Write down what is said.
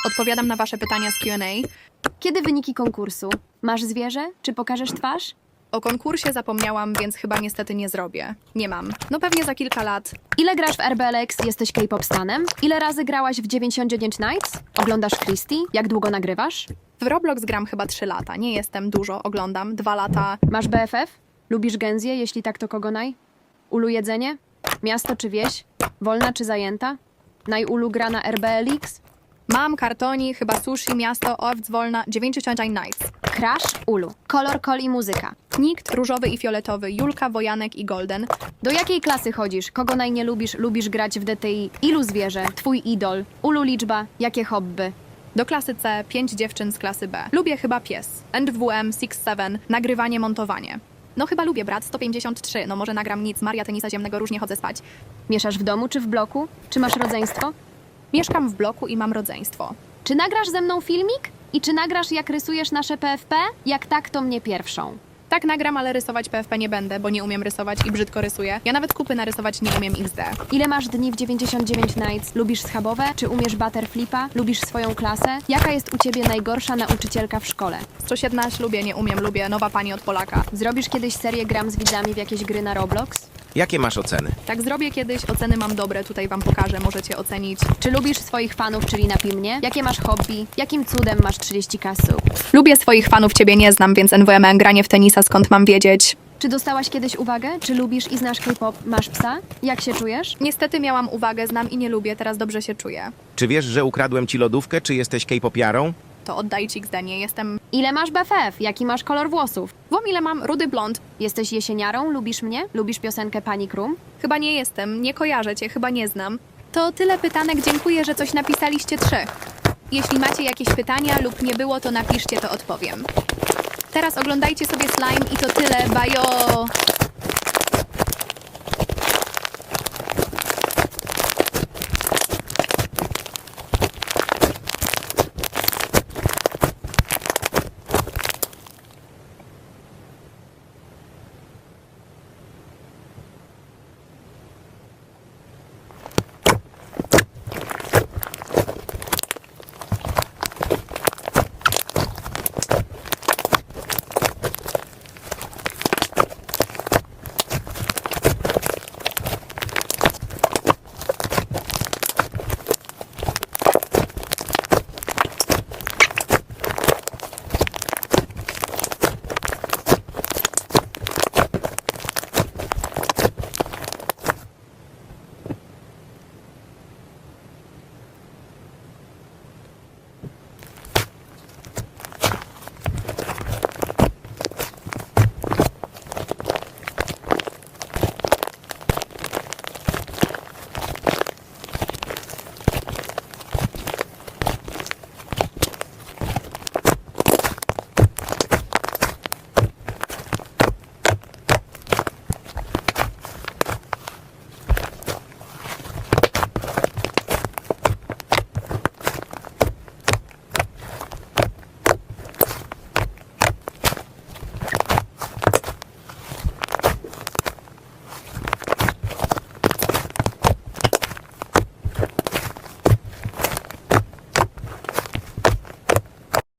Odpowiadam na wasze pytania z Q&A. Kiedy wyniki konkursu? Masz zwierzę? Czy pokażesz twarz? O konkursie zapomniałam, więc chyba niestety nie zrobię. Nie mam. No pewnie za kilka lat. Ile grasz w RBLX? Jesteś K-pop stanem? Ile razy grałaś w 99 Nights? Oglądasz Christie? Jak długo nagrywasz? W Roblox gram chyba 3 lata. Nie jestem dużo, oglądam. 2 lata. Masz BFF? Lubisz Genzję? Jeśli tak, to kogo naj? Ulu jedzenie? Miasto czy wieś? Wolna czy zajęta? Najulu gra na RBLX? Mam kartoni, chyba sushi, miasto, owc, wolna, 99 Nights. Crash? Ulu. Kolor, kol i muzyka. Nikt, różowy i fioletowy, Julka, Wojanek i Golden. Do jakiej klasy chodzisz? Kogo naj nie lubisz? Lubisz grać w DTI? Ilu zwierzę? Twój idol? Ulu liczba? Jakie hobby? Do klasy C 5 dziewczyn z klasy B. Lubię chyba pies. NWM 6-7, nagrywanie, montowanie. No chyba lubię brat 153, no może nagram nic, Maria tenisa ziemnego, różnie chodzę spać. Mieszasz w domu czy w bloku? Czy masz rodzeństwo? Mieszkam w bloku i mam rodzeństwo. Czy nagrasz ze mną filmik? I czy nagrasz, jak rysujesz nasze PFP? Jak tak, to mnie pierwszą. Tak nagram, ale rysować PFP nie będę, bo nie umiem rysować i brzydko rysuję. Ja nawet kupy narysować nie umiem XD. Ile masz dni w 99 Nights? Lubisz schabowe? Czy umiesz butterflipa? Lubisz swoją klasę? Jaka jest u ciebie najgorsza nauczycielka w szkole? 117 lubię, nie umiem, lubię. Nowa pani od Polaka. Zrobisz kiedyś serię gram z widzami w jakieś gry na Roblox? Jakie masz oceny? Tak zrobię kiedyś, oceny mam dobre, tutaj wam pokażę, możecie ocenić. Czy lubisz swoich fanów, czyli napij mnie? Jakie masz hobby? Jakim cudem masz 30 kasów? Lubię swoich fanów, ciebie nie znam, więc NWM granie w tenisa, skąd mam wiedzieć? Czy dostałaś kiedyś uwagę? Czy lubisz i znasz K-pop? Masz psa? Jak się czujesz? Niestety miałam uwagę, znam i nie lubię, teraz dobrze się czuję. Czy wiesz, że ukradłem ci lodówkę, czy jesteś K-popiarą? To oddaj ci XD, nie jestem... Ile masz BFF? Jaki masz kolor włosów? Wom ile mam, rudy blond. Jesteś jesieniarą? Lubisz mnie? Lubisz piosenkę Panic Room? Chyba nie jestem, nie kojarzę cię, chyba nie znam. To tyle pytanek, dziękuję, że coś napisaliście 3. Jeśli macie jakieś pytania lub nie było, to napiszcie, to odpowiem. Teraz oglądajcie sobie slime i to tyle, bajo!